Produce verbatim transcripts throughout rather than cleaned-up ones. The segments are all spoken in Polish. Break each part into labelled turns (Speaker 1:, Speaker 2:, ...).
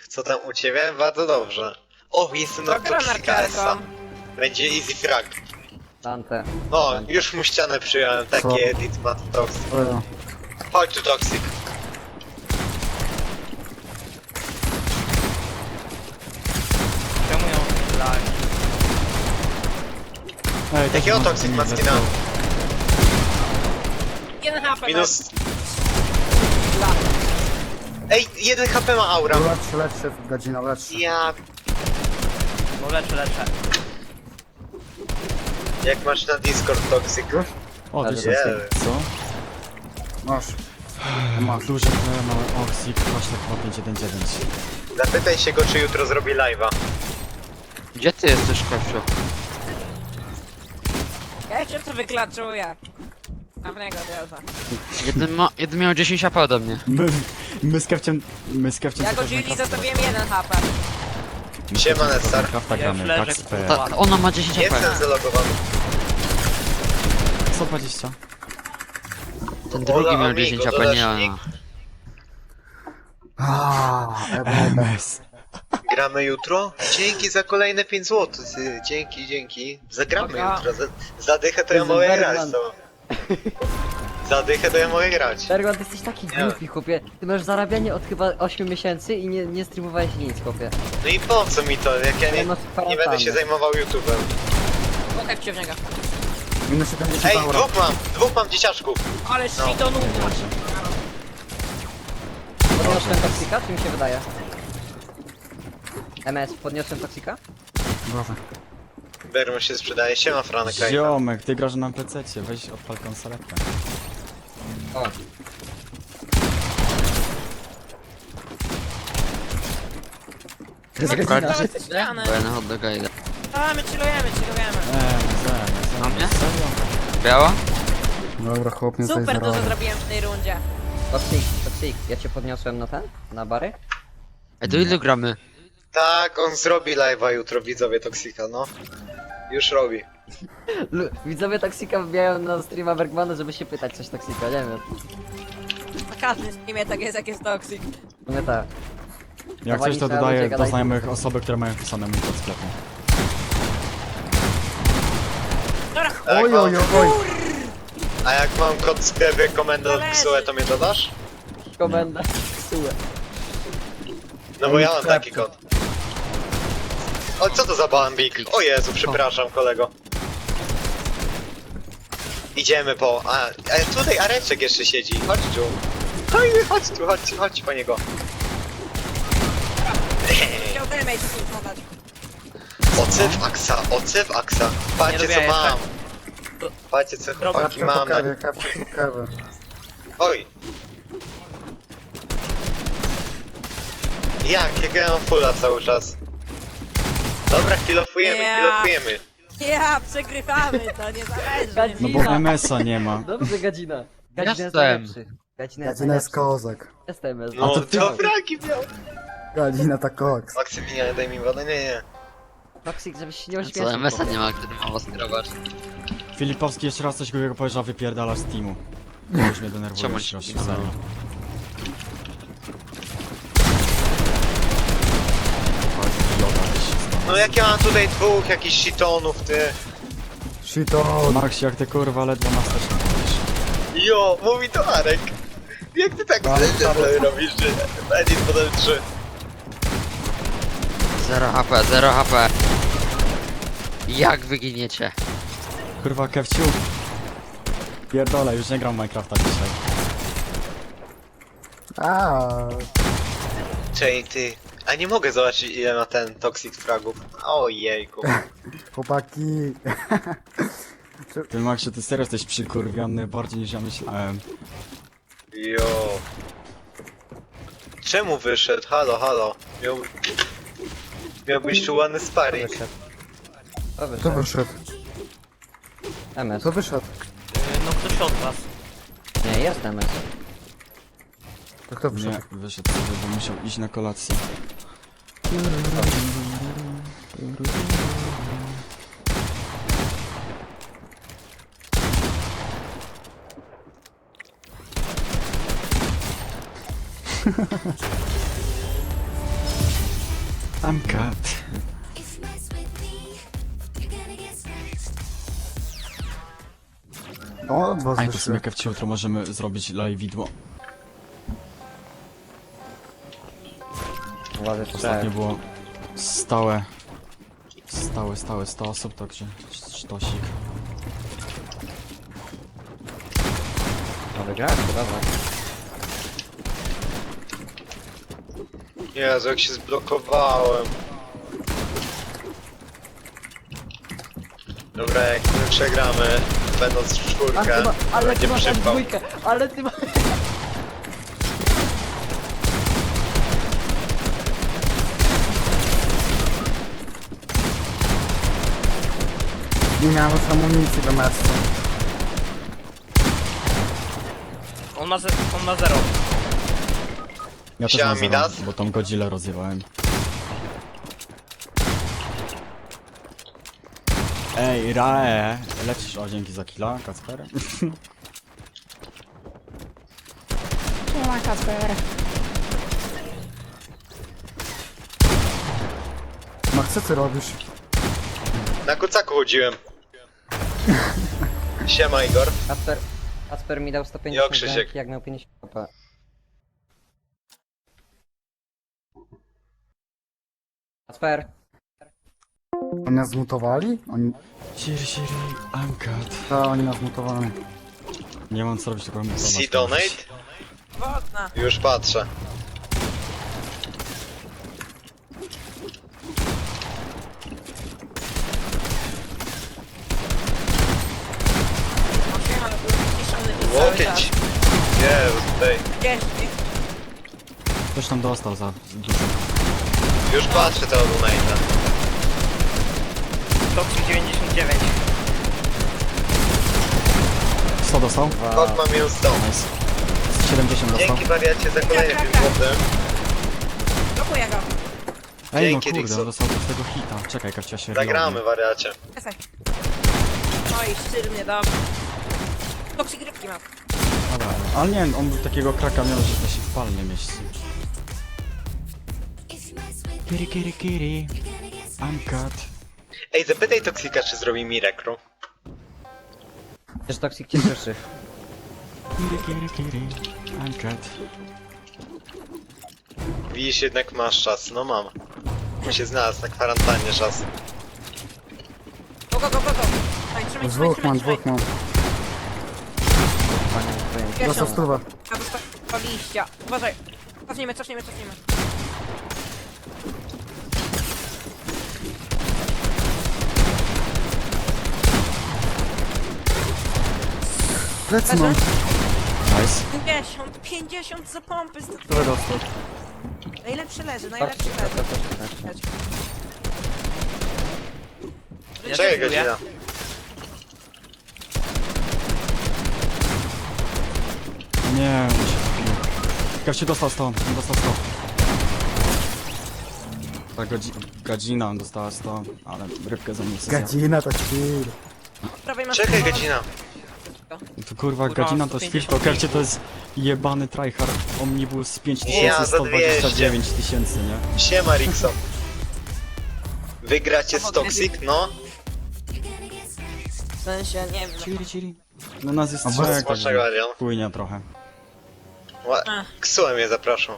Speaker 1: Co tam u ciebie? Bardzo dobrze. O, jestem na Toxica S a. Będzie easy frag.
Speaker 2: Dante.
Speaker 1: No, już mu ścianę przyjąłem, taki
Speaker 3: Co?
Speaker 1: edit ma Toxic.
Speaker 3: O,
Speaker 1: Chodź tu Toxic.
Speaker 4: Czemu ją strzelali?
Speaker 3: Ej,
Speaker 1: Jakiego
Speaker 3: też mam
Speaker 1: Toxic
Speaker 3: nie
Speaker 1: ma skina?
Speaker 3: lecą.
Speaker 4: Jeden H P.
Speaker 1: Minus... Ej, jeden H P ma aura.
Speaker 3: Lecz, lecz się, godzina, lecz.
Speaker 1: Ja...
Speaker 4: No leczę, leczę.
Speaker 1: Jak masz na Discord Toxic?
Speaker 3: Już?
Speaker 5: O,
Speaker 2: Ale
Speaker 5: tysiąc,
Speaker 3: nie.
Speaker 5: co?
Speaker 3: Masz. Masz.
Speaker 5: Duży P, mały Oxik, właśnie chyba pięć jeden dziewięć.
Speaker 1: Zapytaj się go, czy jutro zrobi live'a.
Speaker 6: Gdzie ty jesteś, Kościu?
Speaker 4: Ja się to wyklatczuję. Dawnego dialza.
Speaker 6: Jeden, ma, jeden miał dziesięć A P ode mnie.
Speaker 5: My, my z Kefciem, my z Kefciem...
Speaker 4: Ja go Gilli zostawiłem jeden H P.
Speaker 1: Siema, Nessar.
Speaker 5: Krafta
Speaker 4: Ja
Speaker 5: gramy,
Speaker 4: już leżę,
Speaker 5: Pax P.
Speaker 4: kurwa.
Speaker 6: Ta, ona ma dziesięć A
Speaker 1: Jestem
Speaker 6: P.
Speaker 1: zalogowany.
Speaker 5: sto dwadzieścia.
Speaker 6: Ten drugi
Speaker 1: Ola,
Speaker 6: miał
Speaker 1: amigo,
Speaker 6: dziesięć A P,
Speaker 1: dodasz
Speaker 6: nie
Speaker 1: nick?
Speaker 6: ona.
Speaker 3: Aaaa,
Speaker 5: M S.
Speaker 1: Gramy jutro? Dzięki za kolejne pięć złotych. Dzięki, dzięki. Zagramy
Speaker 4: Dobra.
Speaker 1: jutro. Za, zadychę to ja
Speaker 2: Jezu,
Speaker 1: mogę
Speaker 2: Bergman.
Speaker 1: grać, to. Zadychę to ja mogę grać.
Speaker 2: Bergon, ty jesteś taki głupi, chłopie. Ty masz zarabianie od chyba ośmiu miesięcy i nie, nie streamowałeś nic, chłopie.
Speaker 1: No i po co mi to, jak ja nie,
Speaker 2: Ja masz
Speaker 1: nie będę się
Speaker 2: kwarantannę.
Speaker 1: zajmował YouTube'em.
Speaker 4: Pokaż cię w niego.
Speaker 3: minus siedemdziesiąt
Speaker 1: Ej,
Speaker 3: euro.
Speaker 1: dwóch mam, dwóch mam dzieciaczków.
Speaker 4: Ale
Speaker 1: No.
Speaker 4: shitonu.
Speaker 2: Podniosłem toksika, czy mi się wydaje? M S, podniosłem toksika?
Speaker 3: Boże.
Speaker 1: Bermo się sprzedaje, siema Franek.
Speaker 5: Ziomek, ty grasz na pececie, weź odpal konsoletę.
Speaker 2: O. To jest godzina.
Speaker 4: To jest ściany.
Speaker 6: Bo ja na hot doga idę.
Speaker 4: A, my chillujemy, chillujemy.
Speaker 5: Eee, zaraz,
Speaker 6: Na mnie?
Speaker 5: serio?
Speaker 6: Biała?
Speaker 3: Dobra, chłop mnie tutaj
Speaker 4: Super dużo
Speaker 3: zarobił.
Speaker 4: zrobiłem w tej rundzie.
Speaker 2: Toksik, toksik, ja cię podniosłem na ten? Na bary?
Speaker 6: Ej, do ilu gramy?
Speaker 1: Tak, on zrobi live'a jutro, widzowie Toxika, no. Już robi.
Speaker 2: Lu- Widzowie toksika wbijają na streama Bergmana, żeby się pytać coś toksika, nie wiem.
Speaker 4: Na każdym streamie tak jest, jak jest toxic.
Speaker 2: No tak.
Speaker 5: Jak
Speaker 2: Dawali
Speaker 5: coś to
Speaker 2: trzeba
Speaker 5: dodaję
Speaker 2: ludzie
Speaker 5: do
Speaker 2: gadać.
Speaker 5: znajomych osoby, które mają wpisane mój kod sklepu.
Speaker 4: Dobra,
Speaker 1: A jak,
Speaker 3: Oj, oj,
Speaker 1: mam,
Speaker 3: oj, oj.
Speaker 1: a jak mam kod sklepy komendant
Speaker 4: Zależy.
Speaker 1: psułę, to mnie dodasz?
Speaker 2: Komenda. Ksułę.
Speaker 1: No bo ja mam taki kod. O, co to za bambik? O Jezu, przepraszam kolego. Idziemy po... A, a tutaj Areczek jeszcze siedzi, chodź tu. Chodź, chodź tu, chodź, chodź po niego.
Speaker 4: chciał damage tu podać.
Speaker 1: Ocew Aksa, ocew Aksa. Patrzcie
Speaker 4: Nie
Speaker 1: co
Speaker 4: lubię
Speaker 1: mam. Patrzcie co chłopaki
Speaker 3: Kapcie po
Speaker 1: mam. Na...
Speaker 3: kawie, kapcie po kawie.
Speaker 1: Oj. Jak? Jak ja mam fulla cały czas. Dobra, chwilofujemy,
Speaker 4: Ja.
Speaker 1: chwilofujemy.
Speaker 4: Ja, przegrywamy, to nie zależy.
Speaker 2: Gadzi-
Speaker 5: No bo M S a nie ma.
Speaker 2: Dobrze, Gadzina. Gadzina jest
Speaker 6: Jestem.
Speaker 2: najlepszy. Gadzina jest
Speaker 3: Godzina jest
Speaker 2: najlepszy.
Speaker 3: kozak.
Speaker 2: Jestem, jest.
Speaker 1: No
Speaker 5: to ty-
Speaker 1: to fragi miał.
Speaker 3: Godzina to koks.
Speaker 1: Maksymilian, daj mi wodę, nie, nie.
Speaker 2: Toksik, żebyś się nie
Speaker 6: Co,
Speaker 2: ośmieszył.
Speaker 6: M S a
Speaker 2: chłopie.
Speaker 6: nie ma, który ma was kierować.
Speaker 5: Filipowski jeszcze raz coś głupiego powiedział, wypierdalasz z teamu. To już mnie denerwuje,
Speaker 6: Czemu
Speaker 5: już,
Speaker 6: się-
Speaker 5: serio.
Speaker 1: No jak ja mam tutaj dwóch jakichś shitonów, ty.
Speaker 3: Shiton.
Speaker 5: Max, jak ty kurwa ledwo na wsteczną mówisz.
Speaker 1: Jo, mówi to Arek. Jak ty tak
Speaker 3: Ale
Speaker 1: sobie robisz, że edit podam trzy.
Speaker 6: zero H P, zero H P. Jak wyginiecie?
Speaker 5: Kurwa, Kefciu. Pierdolę, już nie gram w Minecrafta dzisiaj.
Speaker 3: Aaa.
Speaker 1: Czej, ty. A nie mogę zobaczyć ile ma ten toxic fragów. Ojejku.
Speaker 3: Chłopaki.
Speaker 5: Ty Maxie, ty serio jesteś przykurwiony bardziej niż ja myślałem.
Speaker 1: Jo. Czemu wyszedł? Halo, halo. Miał... Miał być tu ładny sparring.
Speaker 2: Wyszedł. To
Speaker 3: Kto
Speaker 2: wyszedł.
Speaker 3: wyszedł?
Speaker 2: M S.
Speaker 3: Kto wyszedł?
Speaker 4: No ktoś od was.
Speaker 2: Nie, jest M S.
Speaker 3: To kto wyszedł?
Speaker 5: Nie, wyszedł sobie, bo musiał iść na kolację. I'm cut.
Speaker 3: O, dwa
Speaker 5: A i to
Speaker 3: zwyższy.
Speaker 5: sobie kewci jutro możemy zrobić live widło.
Speaker 2: Uważaj,
Speaker 5: Ostatnio było stałe, stałe, stałe sto osób, także sztosik.
Speaker 2: No wygrałeś, to dobra.
Speaker 1: Jezu, jak się zblokowałem. Dobra, jak my przegramy, będąc w
Speaker 2: A
Speaker 1: czwórkę,
Speaker 2: ty ma, ale
Speaker 1: będzie
Speaker 2: ty masz jak
Speaker 1: przypał.
Speaker 2: dwójkę, ale ty masz...
Speaker 3: Nie miałem już amunicji do meczu.
Speaker 4: On ma, ze, on ma zero.
Speaker 5: Ja też
Speaker 1: Siema,
Speaker 5: mam zero,
Speaker 1: Midas.
Speaker 5: bo tą Godzillę rozjewałem. Ej, Rae, lecisz, o dzięki za killa, Kacper.
Speaker 4: Nie ma Kasper.
Speaker 3: Max, co ty robisz?
Speaker 1: Na kucaku chodziłem. Siema Igor.
Speaker 2: Kasper, Kasper mi dał sto
Speaker 1: Jo,
Speaker 2: pięćdziesiąt
Speaker 1: Krzysiek.
Speaker 2: granki, jak miał pięćdziesiąt K P. Kasper,
Speaker 3: Oni nas zmutowali? Oni...
Speaker 5: Siri, Siri, I'm cut.
Speaker 3: Ta, oni nas zmutowali.
Speaker 5: Nie mam co robić, tylko mutować.
Speaker 1: See donate?
Speaker 4: Wodna.
Speaker 1: Już patrzę.
Speaker 4: Siema, był ściszony przez cały
Speaker 1: Łokieć.
Speaker 4: czas.
Speaker 1: Jezu, tutaj.
Speaker 4: Gdzieś,
Speaker 5: Ktoś tam dostał za dużo.
Speaker 1: Już patrzę tego donate'a.
Speaker 4: Toxic dziewięćdziesiąt dziewięć.
Speaker 5: sto dostał?
Speaker 1: Kod ma minus sto.
Speaker 5: Nice. siedemdziesiąt dostał.
Speaker 1: Dzięki wariacie za kolejny pięć złotych.
Speaker 4: Blokuję go.
Speaker 5: Ej, no
Speaker 1: Dzięki,
Speaker 5: kurde,
Speaker 1: Dixon.
Speaker 5: dostał z tego hita. Czekaj, Kawcia się
Speaker 1: Zagramy
Speaker 5: reloadnie.
Speaker 1: wariacie.
Speaker 4: Przestań. No i sztylnie, dobrze. Toxic rybki ma.
Speaker 5: Dobra, ale nie, on takiego kraka miał, że to się w palnie mieści. Kiri, kiri, kiri. I'm cut.
Speaker 1: Ej, zapytaj Toksika, czy zrobi mi rekru.
Speaker 2: przecież Toxic cię słyszy.
Speaker 5: Kiri, kiri, kiri. I'm cut.
Speaker 1: Widzisz, jednak masz czas. No mam. On się znalazł na kwarantannie czas.
Speaker 4: Go, go, go, go, go. Trzymaj, trzymaj, trzymaj,
Speaker 3: Dwóch
Speaker 4: trzymaj,
Speaker 3: mam,
Speaker 4: trzymaj.
Speaker 3: dwóch mam.
Speaker 4: Pierwszą.
Speaker 3: Dostał stówę.
Speaker 4: A dostał liścia. Uważaj. Cofnijmy, cofnijmy, cofnijmy.
Speaker 3: Plecy mam.
Speaker 5: Nice.
Speaker 4: pięćdziesiąt, pięćdziesiąt za pompy.
Speaker 3: Stówę dostał.
Speaker 4: Najlepszy leży, najlepszy
Speaker 2: Toxic,
Speaker 4: leży.
Speaker 2: to też tak.
Speaker 1: Czekaj, godzina.
Speaker 5: Nie, on się wbił. Kawcie dostał sto, on dostał sto. Ta godzi godzina on dostała sto, ale rybkę za nic.
Speaker 3: Gadzina to chill.
Speaker 4: Prawej masz
Speaker 1: Czekaj,
Speaker 4: samolot.
Speaker 1: godzina.
Speaker 5: To kurwa,
Speaker 4: Kurwa,
Speaker 5: godzina to jest
Speaker 4: sto pięćdziesiąt
Speaker 5: filtro, Kawcie to jest jebany tryhard Omnibus pięć
Speaker 1: Ja
Speaker 5: tysięcy
Speaker 1: za
Speaker 5: sto dwadzieścia dziewięć tysięcy, nie?
Speaker 1: Siema, Rixon. Wygracie z Toxic? No.
Speaker 4: W sensie, nie wiem.
Speaker 5: Chiri, chiri. No nas jest
Speaker 3: A
Speaker 5: trzech,
Speaker 1: Smacznego,
Speaker 5: także
Speaker 1: Adrian.
Speaker 5: płynie trochę.
Speaker 1: Ła-
Speaker 4: Ach.
Speaker 1: Ksułem je, zapraszam.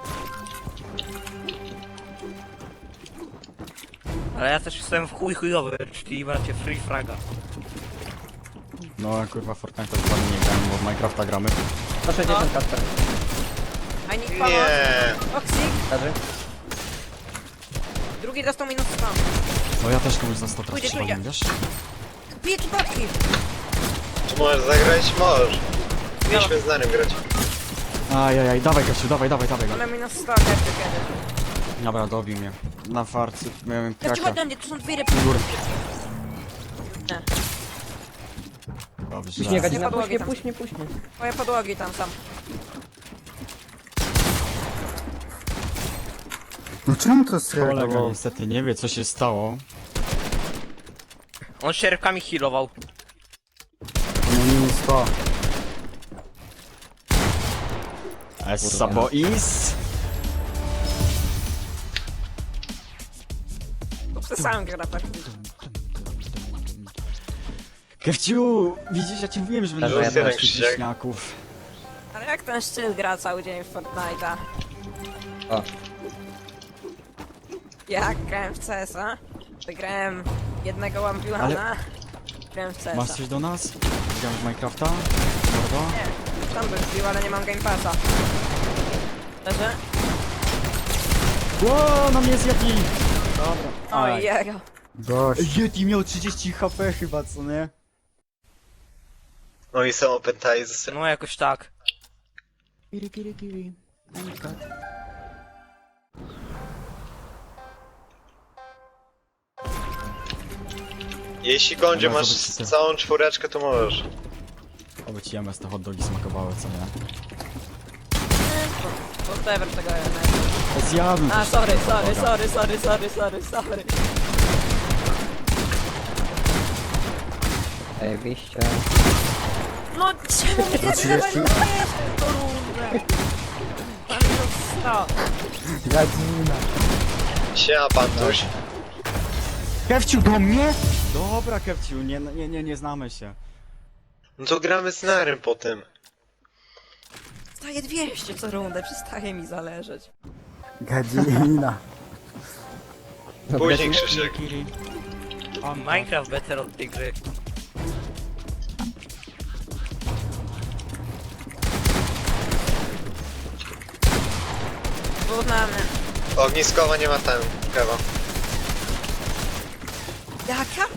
Speaker 7: Ale ja też jestem w chuj chujowy, czyli macie free fraga.
Speaker 5: No kurwa, Fortnite to ładnie nie grałem, bo w Minecrafta gramy.
Speaker 2: sto sześćdziesiąt Kasper.
Speaker 4: I need pomoc.
Speaker 1: Nie.
Speaker 4: Toxic.
Speaker 2: Leży?
Speaker 4: Drugi dostał minus sto.
Speaker 5: No ja też komuś za sto
Speaker 4: Pójdzie,
Speaker 5: trafiłem,
Speaker 4: pójdzie.
Speaker 5: wiesz?
Speaker 4: Bije tu paczki.
Speaker 1: Czy możesz zagrać? Możesz. Mieliśmy z Narym grać.
Speaker 5: Ajajaj, dawaj Kasiu, dawaj, dawaj, dawaj go.
Speaker 4: Mamy minus sto, jak to kiedyś.
Speaker 5: Dobra, dobił mnie. Na farcy miałem
Speaker 4: Ja ci
Speaker 5: kraka.
Speaker 4: ładnie, tu są dwie rybki.
Speaker 5: Góry.
Speaker 4: Nie.
Speaker 5: Dobrze.
Speaker 2: Puść mnie, Gadzina, puść
Speaker 4: Podłogi
Speaker 2: mnie,
Speaker 4: tam.
Speaker 2: puść mnie, puść mnie.
Speaker 4: Moje podłogi tam są.
Speaker 3: No czemu to jest
Speaker 5: Kolega
Speaker 3: reagował?
Speaker 5: niestety nie wie co się stało.
Speaker 7: On się rybkami healował.
Speaker 3: No minus sto.
Speaker 5: Essa boys.
Speaker 4: Przez sam gra praktycznie.
Speaker 5: Kefciu, widzisz, ja ci mówiłem, że będę
Speaker 2: Dobra,
Speaker 5: żadnych
Speaker 1: jeden Krzysiek.
Speaker 5: wieśniaków.
Speaker 4: Ale jak ten szczyt gra cały dzień w Fortnite'a?
Speaker 2: O.
Speaker 4: Jak grałem w C S a? Wygrałem jednego Wampiłana. Grałem w C S
Speaker 5: Masz
Speaker 4: a.
Speaker 5: coś do nas? Gramy w Minecrafta? Mordo?
Speaker 4: Nie, tam bym wbił, ale nie mam Game Passa. Leży?
Speaker 5: Ło, na mnie jest Yeti! Dobra.
Speaker 4: Oj,
Speaker 5: Aj.
Speaker 4: jego.
Speaker 3: Gość.
Speaker 5: Yeti miał trzydzieści H P chyba, co nie?
Speaker 1: No i są open ties.
Speaker 7: No jakoś tak.
Speaker 5: Kiri, kiri, kiri.
Speaker 1: Jeśli Gondzie
Speaker 5: Dobra,
Speaker 1: masz
Speaker 5: zobaczycie.
Speaker 1: całą czwóreczkę, to możesz.
Speaker 5: Oby ci M S te hot dogi smakowały, co nie?
Speaker 4: Whatever tego nie.
Speaker 5: Zjadłem
Speaker 4: A,
Speaker 5: też
Speaker 4: sorry,
Speaker 5: takiego
Speaker 4: sorry,
Speaker 5: hot doga.
Speaker 4: sorry, sorry, sorry, sorry, sorry.
Speaker 2: Zajebiście.
Speaker 4: No czemu mnie
Speaker 3: trzydzieści?
Speaker 4: nie to rundę? Mam minus sto.
Speaker 3: Gadzina.
Speaker 1: Siema, Pantuś.
Speaker 5: Kefciu, do mnie? Dobra, Kefciu, nie, nie, nie, nie znamy się.
Speaker 1: No to gramy z Narym po tym.
Speaker 4: Staję dwieście co rundę, przestaje mi zależeć.
Speaker 3: Gadzina.
Speaker 1: Później Krzysiek.
Speaker 5: Kiri.
Speaker 7: Minecraft better od tej gry.
Speaker 4: Wyrównamy.
Speaker 1: Ogniskowa nie ma ten, kewa.
Speaker 4: Jaka?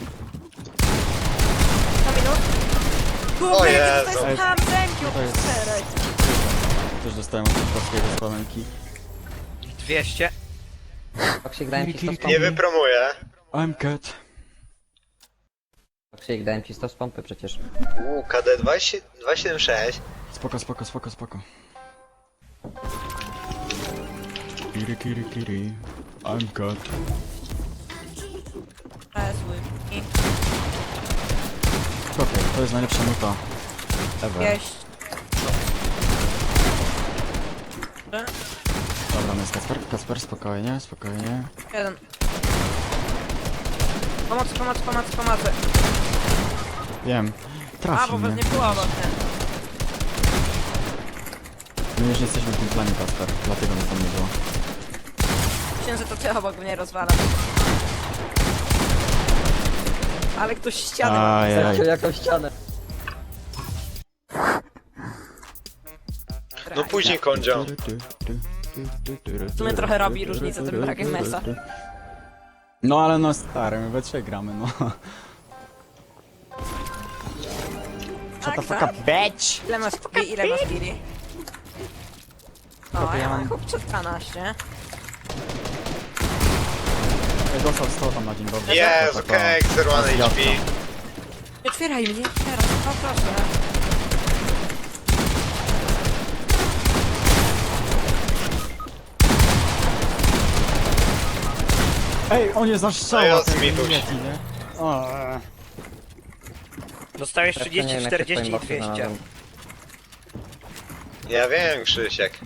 Speaker 4: Na minut?
Speaker 1: O
Speaker 4: Kurde,
Speaker 1: Jezu.
Speaker 4: jakie to jest ham zęki
Speaker 5: To jest-
Speaker 4: od czterech.
Speaker 5: Też dostałem od polskiego spalenki.
Speaker 7: dwieście.
Speaker 2: Toksik, dałem ci sto z
Speaker 1: Nie
Speaker 2: pompy.
Speaker 1: wypromuję.
Speaker 5: I'm cat.
Speaker 2: Toksik, dałem ci sto z pompy przecież.
Speaker 1: Uuu, K D dwieście siedemdziesiąt sześć.
Speaker 5: Spoko, spoko, spoko, spoko. Kiri, kiri, kiri. I'm cat.
Speaker 4: Presły. I
Speaker 5: Okej, to jest najlepsza nuta. Ever.
Speaker 4: jeść.
Speaker 5: Dobra, no jest Kasper, Kasper, spokojnie, spokojnie.
Speaker 4: Jeden. Pomocy, pomocy, pomocy, pomocy.
Speaker 5: Wiem.
Speaker 4: A,
Speaker 5: Trafił
Speaker 4: bo was
Speaker 5: mnie.
Speaker 4: nie było obok, nie?
Speaker 5: My już jesteśmy w tym planie, Kasper, dlatego mnie tam nie było.
Speaker 4: Myślałem, że to ty obok mnie rozwala. Ale ktoś ścianę ma.
Speaker 5: Ajaj.
Speaker 2: Zaciął jakąś ścianę.
Speaker 1: No później Kondzio.
Speaker 4: W sumie trochę robi różnicę tym brakiem mesa.
Speaker 5: No ale no stary, my we trzech gramy, no. Shut the
Speaker 4: Tak,
Speaker 5: fuck
Speaker 4: tak.
Speaker 5: up, bitch!
Speaker 4: Ile masz kili? Ile masz kili? O,
Speaker 5: ja
Speaker 4: ja mam
Speaker 5: mam-
Speaker 4: chłopcze dwanaście.
Speaker 5: Ej, dostał sto tam na dzień dobry.
Speaker 1: Jezu,
Speaker 5: To- to-
Speaker 1: cake, zero one H P.
Speaker 4: Nie otwieraj mnie, nie otwieraj, o proszę.
Speaker 5: Ej, on jest nasz
Speaker 1: No
Speaker 5: strzał,
Speaker 1: ja
Speaker 5: ten
Speaker 1: zmituś.
Speaker 5: Yeti, nie? O, eee.
Speaker 7: Dostałeś
Speaker 2: Ja nie
Speaker 7: trzydzieści,
Speaker 2: wiem, jak się w
Speaker 7: czterdzieści i
Speaker 2: twoim boxie
Speaker 7: dwieście.
Speaker 2: znalazłem.
Speaker 1: Ja wiem, Krzysiek.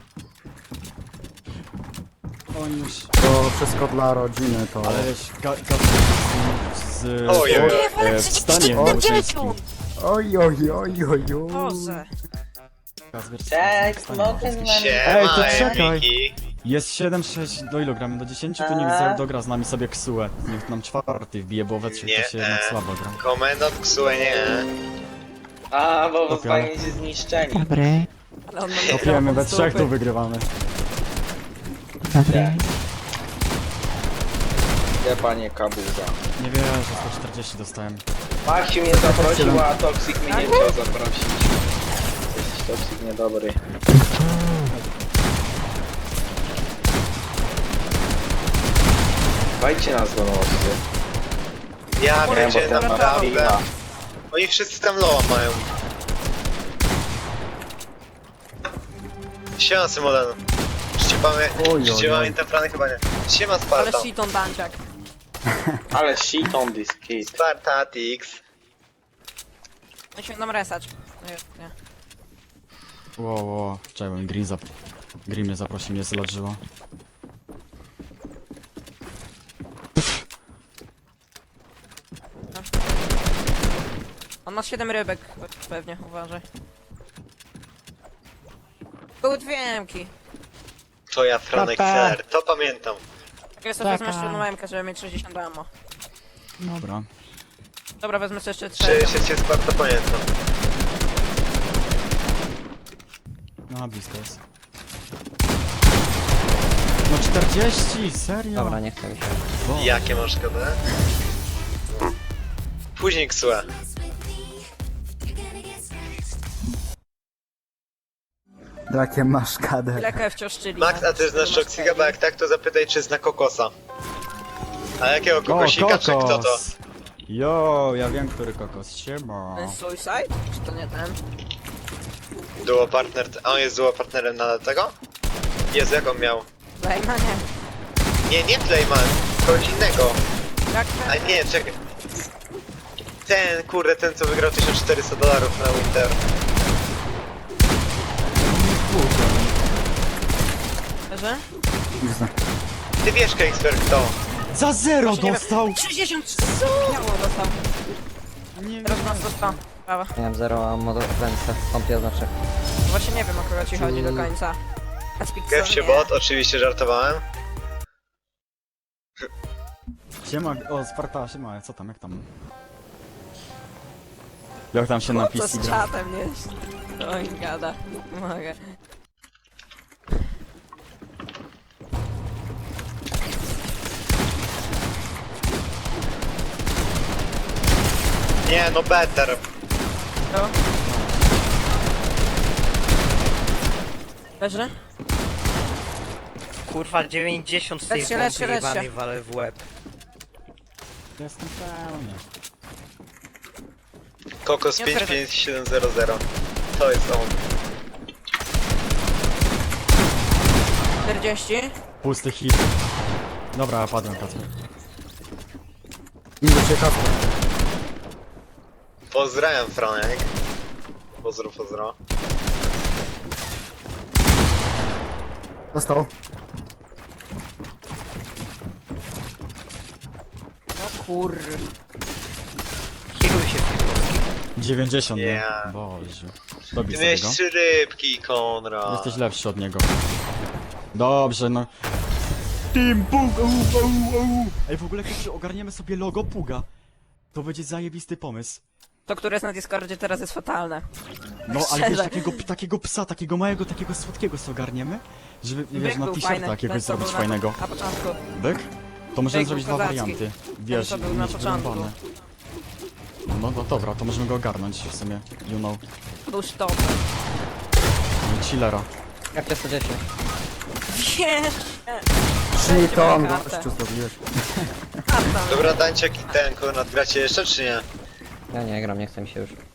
Speaker 5: On już...
Speaker 3: To wszystko dla rodziny to.
Speaker 5: Ale wiesz, ga- Kasper z... z...
Speaker 1: Ojej.
Speaker 5: e, wstaniem małżeńskim.
Speaker 3: Oj, oj, oj, oj, oj.
Speaker 4: Boże.
Speaker 5: Kasper z-
Speaker 8: Tak,
Speaker 5: z wstaniem
Speaker 8: mogę
Speaker 5: małżeńskim.
Speaker 8: z wami...
Speaker 5: Ej, to
Speaker 1: Siema,
Speaker 5: czekaj.
Speaker 1: Miki.
Speaker 5: Jest siedem sześć, do ilu gramy? Do dziesięciu? To niech za- dogra z nami sobie Ksuę. Niech nam czwarty wbije, bo we trzech
Speaker 1: Nie,
Speaker 5: to się jednak
Speaker 1: e.
Speaker 5: słabo gra.
Speaker 1: Komendant Ksue nie.
Speaker 8: A, bo
Speaker 5: Dobra.
Speaker 8: zostaniecie zniszczeni.
Speaker 4: Ale on ma
Speaker 5: Kopiemy,
Speaker 4: mikrofon
Speaker 5: we
Speaker 4: z
Speaker 5: trzech
Speaker 4: dupy.
Speaker 5: tu wygrywamy.
Speaker 8: Gdzie panie Kabuza?
Speaker 5: Nie wierzę, sto czterdzieści dostałem.
Speaker 8: Maksiu mnie zaprosił, a Toxic mnie nie chciał zaprosić. Jesteś Toxic niedobry. Dajcie nas do nocy.
Speaker 1: Ja
Speaker 8: Nie,
Speaker 1: wiecie,
Speaker 8: bo to
Speaker 1: naprawdę.
Speaker 8: naprawiła.
Speaker 1: Oni wszyscy tam loa mają. Siema, Symolen. Czy cię pamię...
Speaker 3: Oj, oj,
Speaker 1: Czy cię
Speaker 3: oj.
Speaker 1: pamiętam plany? Chyba nie. Siema,
Speaker 4: Ale
Speaker 1: Sparta.
Speaker 4: shiton danciak.
Speaker 8: Ale shit on this kid.
Speaker 1: Spartatix.
Speaker 4: Musimy nam resać. Nie, nie.
Speaker 5: Wow, wow, czekaj, bo mi Green, zap... Green mnie zaprosił, mnie zladżyło.
Speaker 4: On ma siedem rybek, pewnie, uważaj. Były dwie emki.
Speaker 1: To ja, Franek
Speaker 3: Papa.
Speaker 1: Fair, to pamiętam.
Speaker 4: Tak ja sobie wezmę jeszcze jedną emkę, żeby mieć sześćdziesiąt ammo.
Speaker 5: Dobra.
Speaker 4: Dobra, wezmę sobie jeszcze
Speaker 1: Czy
Speaker 4: trzy.
Speaker 1: się cię Sparta pamiętam.
Speaker 5: No, blisko jest. No czterdzieści, serio?
Speaker 2: Dobra, nie chcę mi się.
Speaker 5: Bo.
Speaker 1: Jakie masz K D? Później Ksue.
Speaker 3: Jakie masz kadę.
Speaker 4: Ile K F wciąż czyli?
Speaker 1: Max, a ty znasz Toxiga, bo jak tak, to zapytaj, czy zna Kokosa. A jakiego
Speaker 5: O,
Speaker 1: kokosika, czy kto to?
Speaker 5: kokos! Jo, ja wiem, który kokos. Siema.
Speaker 4: Ten Suicide? Czy to nie ten?
Speaker 1: Duo partner, a on jest duo partnerem na tego? Jezu, jak on miał?
Speaker 4: Lejma nie.
Speaker 1: Nie, nie Playman, kogoś innego.
Speaker 4: Jak
Speaker 1: A
Speaker 4: ten?
Speaker 1: nie, czekaj. Ten, kurde, ten co wygrał tysiąc czterysta dolarów na Winter.
Speaker 4: Że?
Speaker 3: Nie znam.
Speaker 1: Ty wiesz, Kexper, kto?
Speaker 5: Za zero
Speaker 4: Właśnie nie wiem.
Speaker 5: dostał!
Speaker 4: sześćdziesiąt co? Biało dostał.
Speaker 5: Nie
Speaker 4: Teraz nas dostał. Prawa.
Speaker 2: Miałem zero ammo do ręce, stąd znaczy.
Speaker 4: Właśnie nie wiem, o kogo ci chodzi do końca. Aspik
Speaker 1: Kev się bot, oczywiście żartowałem.
Speaker 5: Siema, o Sparta, siema, co tam, jak tam? Jak tam się na
Speaker 4: Co
Speaker 5: P C
Speaker 4: z
Speaker 5: gra?
Speaker 4: czatem jest? To mi gada. Mogę.
Speaker 1: Nie, no better.
Speaker 4: To? Leży?
Speaker 7: Kurwa, dziewięćdziesiąt z tej
Speaker 4: Lecz się, lecz się,
Speaker 7: pompy
Speaker 4: lecz się.
Speaker 7: jebanej walę w łeb.
Speaker 5: Jestem pełny.
Speaker 1: Kokos
Speaker 4: Nie
Speaker 1: pięć
Speaker 4: otwieraj.
Speaker 1: pięć siedem zero zero. To jest on.
Speaker 4: czterdzieści?
Speaker 5: Pusty hit. Dobra, padłem, Kacper.
Speaker 3: Idę cię kaskę.
Speaker 1: Pozdrawiam, Franek. Pozdro, pozdro.
Speaker 3: Dostał.
Speaker 4: No kur...
Speaker 7: Kieruj się w tym polskim.
Speaker 5: dziewięćdziesiąt, nie?
Speaker 1: Yeah.
Speaker 5: Boże. Dobij
Speaker 1: Ty
Speaker 5: sobie
Speaker 1: miałeś
Speaker 5: go.
Speaker 1: trzy rybki, Konrad.
Speaker 5: Jesteś lepszy od niego. Dobrze, no. Team Pug! Au, au, au. Ej, w ogóle kiedy ogarniemy sobie logo Puga, to będzie zajebisty pomysł.
Speaker 4: To, które jest na Discordzie teraz jest fatalne.
Speaker 5: No, ale wiesz,
Speaker 4: Szczerze.
Speaker 5: takiego, takiego psa, takiego małego, takiego słodkiego sobie ogarniemy, żeby, wiesz,
Speaker 4: Byk
Speaker 5: na
Speaker 4: był
Speaker 5: t-shirta
Speaker 4: fajny.
Speaker 5: jakiegoś
Speaker 4: Ten, co
Speaker 5: zrobić
Speaker 4: był na-
Speaker 5: fajnego.
Speaker 4: Na początku.
Speaker 5: Byk? To możemy
Speaker 4: Byk
Speaker 5: zrobić
Speaker 4: był
Speaker 5: dwa
Speaker 4: kozacki.
Speaker 5: warianty. Wiesz,
Speaker 4: co był
Speaker 5: i
Speaker 4: na
Speaker 5: mieć
Speaker 4: początku.
Speaker 5: wyrąbane. No, no dobra, to możemy go ogarnąć w sumie, you know.
Speaker 4: Był sztop.
Speaker 5: Chillera.
Speaker 2: Jak to sto dziesięć?
Speaker 4: Wiesz!
Speaker 3: Trzy ton
Speaker 4: kartę.
Speaker 3: gościu zrobiłeś.
Speaker 4: Karta.
Speaker 1: Dobra, Dańczyk i ten, Konrad, gracie jeszcze, czy nie?
Speaker 2: Ja nie gram, nie chcę mi się już.